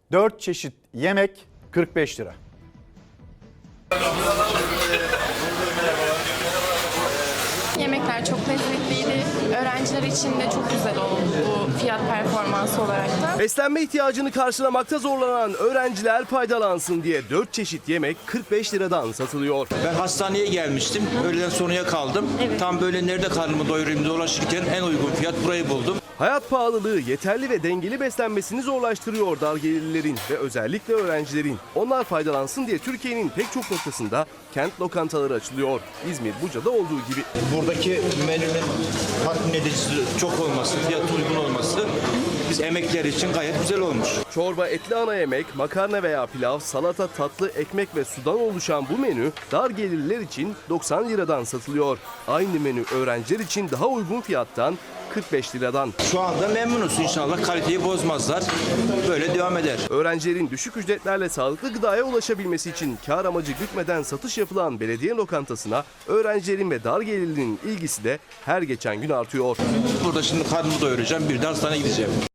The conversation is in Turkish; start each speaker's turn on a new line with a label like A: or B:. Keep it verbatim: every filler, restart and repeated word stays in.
A: dört çeşit yemek kırk beş lira.
B: Yemekler çok lezzetliydi. Öğrenciler için de çok güzel oldu bu fiyat performansı olarak da.
C: Beslenme ihtiyacını karşılamakta zorlanan öğrenciler faydalansın diye dört çeşit yemek kırk beş liradan satılıyor.
D: Ben hastaneye gelmiştim. Öğleden sonraya kaldım.
B: Evet.
D: Tam böyle nerede karnımı doyurayım dolaşırken en uygun fiyat burayı buldum.
C: Hayat pahalılığı yeterli ve dengeli beslenmesini zorlaştırıyor dar gelirlilerin ve özellikle öğrencilerin. Onlar faydalansın diye Türkiye'nin pek çok noktasında kent lokantaları açılıyor. İzmir, Buca'da olduğu gibi.
D: Buradaki menünün tatmin edicisi çok olması, fiyatı uygun olması biz emekler için gayet güzel olmuş.
C: Çorba, etli ana yemek, makarna veya pilav, salata, tatlı, ekmek ve sudan oluşan bu menü dar gelirliler için doksan liradan satılıyor. Aynı menü öğrenciler için daha uygun fiyattan kırk beş liradan.
D: Şu anda memnunuz, inşallah kaliteyi bozmazlar. Böyle devam eder.
C: Öğrencilerin düşük ücretlerle sağlıklı gıdaya ulaşabilmesi için kar amacı gütmeden satış yapılan belediye lokantasına öğrencilerin ve dar gelirlinin ilgisi de her geçen gün artıyor.
D: Burada şimdi karnımı doyuracağım, bir de hastaneye gideceğim.